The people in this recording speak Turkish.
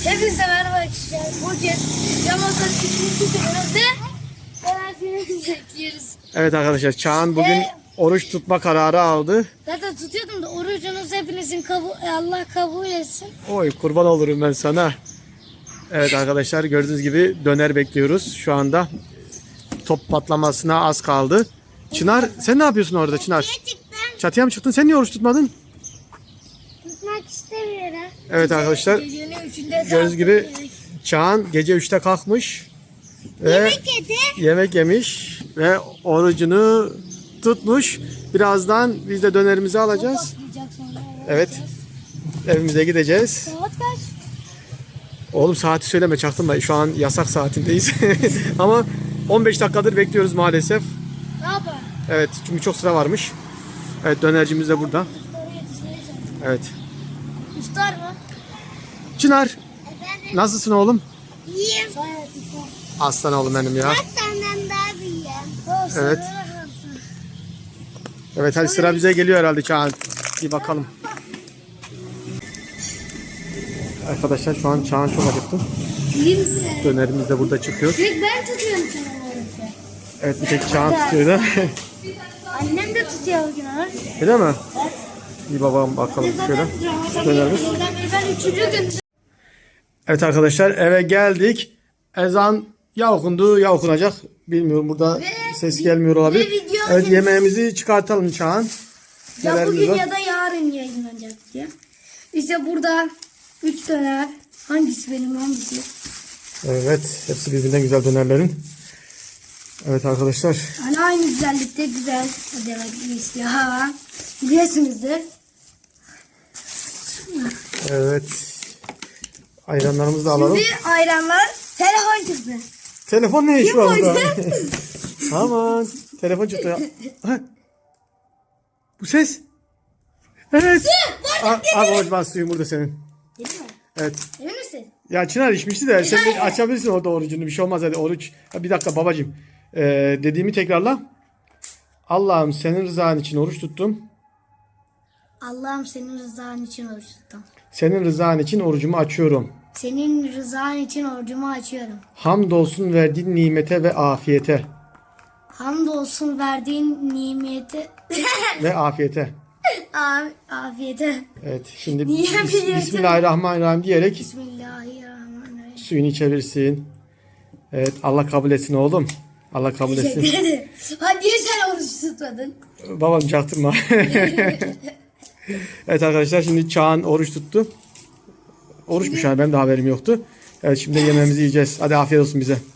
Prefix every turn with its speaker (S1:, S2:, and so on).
S1: Hepinize merhaba arkadaşlar. Bugün Ramazan 2. gününde enerjimizi bekliyoruz.
S2: Evet arkadaşlar, Çağan bugün oruç tutma kararı aldı.
S1: Zaten tutuyordum da orucunuz hepinizin Allah kabul etsin.
S2: Oy kurban olurum ben sana. Evet arkadaşlar, gördüğünüz gibi döner bekliyoruz. Şu anda top patlamasına az kaldı. Çınar, sen ne yapıyorsun orada Çınar? Çatıya mı çıktın? Sen niye oruç tutmadın?
S1: Tutmak istemiyorum.
S2: Evet arkadaşlar, gördüğünüz gibi Çağan gece 3'te kalkmış ve yemek yemiş ve orucunu tutmuş. Birazdan biz de dönerimizi alacağız. Evet, evimize gideceğiz.
S1: Saat kaç?
S2: Oğlum saati söyleme, çaktırma. Şu an yasak saatindeyiz. Ama 15 dakikadır bekliyoruz maalesef.
S1: Ne yapalım?
S2: Evet, çünkü çok sıra varmış. Evet, dönercimiz de burada. Evet.
S1: İftar mı?
S2: Çınar,
S3: Efendim,
S2: nasılsın oğlum?
S3: iyiyim.
S2: Aslan oğlum benim ya.
S3: Bak senden daha büyüğüm.
S2: Evet. Evet, hadi sıra bize geliyor herhalde Çağan. Bir bakalım. Arkadaşlar şu an Çağan çok acıktı. Dönerimiz de burada çıkıyor.
S1: Tek ben tutuyorum sana orucu.
S2: Evet, bir tek Çağan tutuyor da.
S1: Annem de tutuyor bugün oruç.
S2: Öyle mi? Bir babam bakalım şöyle. Dönerimiz.
S1: Ben 3. gün.
S2: Evet arkadaşlar, eve geldik. Ezan ya okundu ya okunacak. Bilmiyorum, burada ses gelmiyor olabilir.
S1: video
S2: Evet, yemeğimizi çıkartalım Çağan.
S1: Ya
S2: Nelerimiz
S1: bugün
S2: var?
S1: ya da yarın yayınlanacak diye. İşte burada 3 döner. Hangisi benim hangisi?
S2: Evet, hepsi birbirinden güzel dönerlerin. Evet arkadaşlar.
S1: Hani aynı güzellikte güzel demek istiyor. Ha. Biliyorsunuzdur.
S2: Evet. Ayranlarımızı da alalım.
S1: Şimdi ayranlar telefon çıktı.
S2: Telefon ne iş var
S1: Kim
S2: burada?
S1: oynadı?
S2: Aman. Telefon çıktı ya. Ha. Bu ses. Evet. Abi ben suyun burada senin.
S1: Değil mi?
S2: Evet.
S1: Emin misin?
S2: Ya Çınar içmişti de sen de açabilirsin orada orucunu. Bir şey olmaz, hadi oruç. Ha, bir dakika babacığım. Dediğimi tekrarla. Allah'ım senin rızan için oruç tuttum.
S1: Allah'ım senin rızan için oruç tuttum.
S2: Senin rızan için orucumu açıyorum.
S1: Senin rızan için orucumu açıyorum.
S2: Hamdolsun verdiğin nimete ve afiyete.
S1: Hamdolsun verdiğin nimeti
S2: Ve afiyete.
S1: afiyete.
S2: Evet, şimdi
S1: Niye biliyorsun?
S2: Bismillahirrahmanirrahim diyerek
S1: Bismillahirrahmanirrahim.
S2: suyunu içebilirsin. Evet, Allah kabul etsin oğlum. Allah kabul etsin.
S1: Teşekkür ederim. Hadi niye sen oruç tutmadın?
S2: Babam çaktırma. Evet arkadaşlar, şimdi Çağan oruç tuttu. Oruçmuş yani, benim de haberim yoktu. Evet, şimdi yemeğimizi yiyeceğiz. Hadi afiyet olsun bize.